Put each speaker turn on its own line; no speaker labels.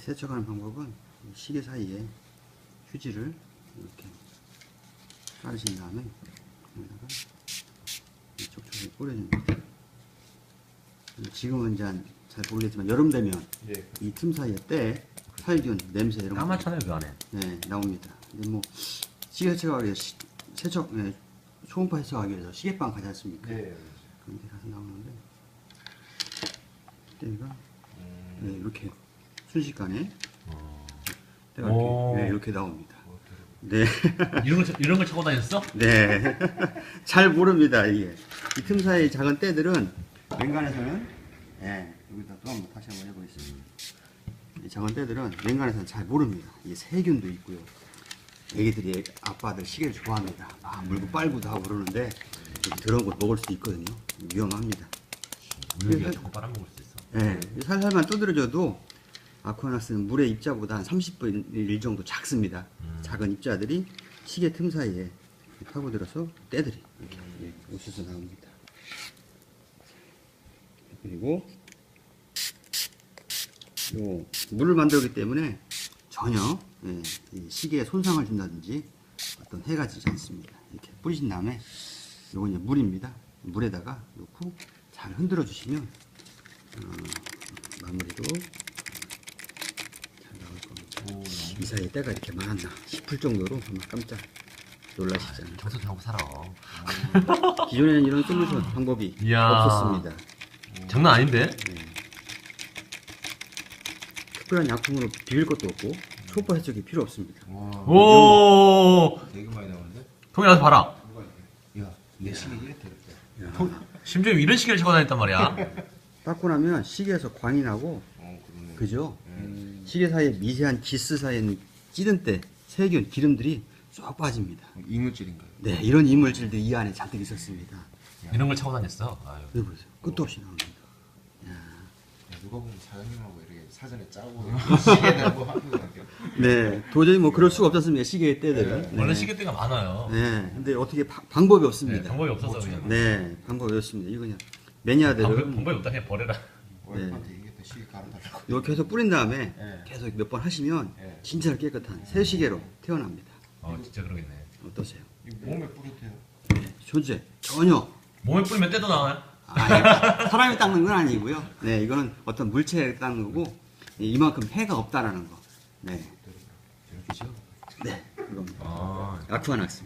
세척하는 방법은 이 시계 사이에 휴지를 이렇게 깔으신 다음에 여기다가 촉촉히 뿌려줍니다. 지금은 이제 잘 모르겠지만 여름 되면
예.
이 틈 사이에 때, 살균, 냄새 이런 거
까맣잖아요 그 안에.
네, 나옵니다. 근데 뭐 시계 세척하기 위해서 초음파 세척하기 위해서 시계방 가지 않습니까?
예.
그런 데 가서 나오는데 때가 네, 이렇게 순식간에 때가 이렇게, 네, 이렇게 나옵니다. 네.
이런 걸 차고 다녔어?
네. 잘 모릅니다, 이게. 이 틈 사이 작은 때들은 맹간에서는, 예, 여기다 또 한번 다시 한번 해보겠습니다. 이 작은 때들은 맹간에서는 잘 모릅니다. 이게 세균도 있고요. 애기들이 아빠들 시계를 좋아합니다. 막 물고 빨고도 하고 그러는데, 이렇게 더러운 걸 먹을 수도 있거든요. 위험합니다.
우유기가 자꾸 빨아먹을 수 있어.
예, 살살만 두드려줘도 아쿠아낙스는 물의 입자보다 한 30분의 1 정도 작습니다. 작은 입자들이 시계 틈 사이에 파고들어서 때들이 이렇게 웃어서 나옵니다. 그리고 요 물을 만들기 때문에 전혀 이 시계에 손상을 준다든지 어떤 해가 지지 않습니다. 이렇게 뿌리신 다음에 요건 이제 물입니다. 물에다가 넣고 잘 흔들어 주시면 마무리도 잘 나올 겁니다. 이 사이에 때가 이렇게 많았나 싶을 정도로 정말 깜짝 놀라시잖아요.
정서 좀 하고 살아.
기존에는 이런 솔루션 방법이
이야.
없었습니다.
장난 아닌데?
특별한 약품으로 비빌 것도 없고 초음파 해적이 필요 없습니다.
오.
되게 많이 나오는데?
통이 와서 봐라.
야, 내 시계 이렇게 이렇게.
심지어 이런 시계를 차고 다녔단 말이야.
닦고 나면 시계에서 광이 나고
그러네.
그죠? 시계 사이에 미세한 기스 사이에 찌든 때 세균, 기름들이 쏙 빠집니다.
이물질인가요?
네, 이런 이물질들이 이 안에 잔뜩 있었습니다.
이런 걸 차고 다녔어. 아유.
여기 보세요. 끝도 없이 나옵니다.
야, 누가 보면 사장님하고 이렇게 사전에 짜고 시계 내고 하는 거 같아요.
네, 도저히 뭐 그럴 수가 없었습니다. 시계의 때들은.
원래 시계대가 많아요.
네, 근데 어떻게 방법이 없습니다.
네, 방법이 없어서 그냥.
네, 방법이 없습니다. 이거 그냥 매니아들은
방법이 없다 그냥 버려라.
와이프한테 이게 또 시계 갈아달라고.
이렇게 해서 뿌린 다음에
네.
계속 몇 번 하시면
네.
진짜 깨끗한 새 시계로 태어납니다.
진짜 그러겠네.
어떠세요?
이거 몸에 뿌려도 돼요.
네, 존재 전혀.
몸에 뿌리면 때도 나와요?
사람이 닦는 건 아니고요. 네, 이거는 어떤 물체에 닦는 거고 이만큼 해가 없다라는 거. 네,
이렇게 지어.
네, 이겁니다.
아.
아쿠아낙스.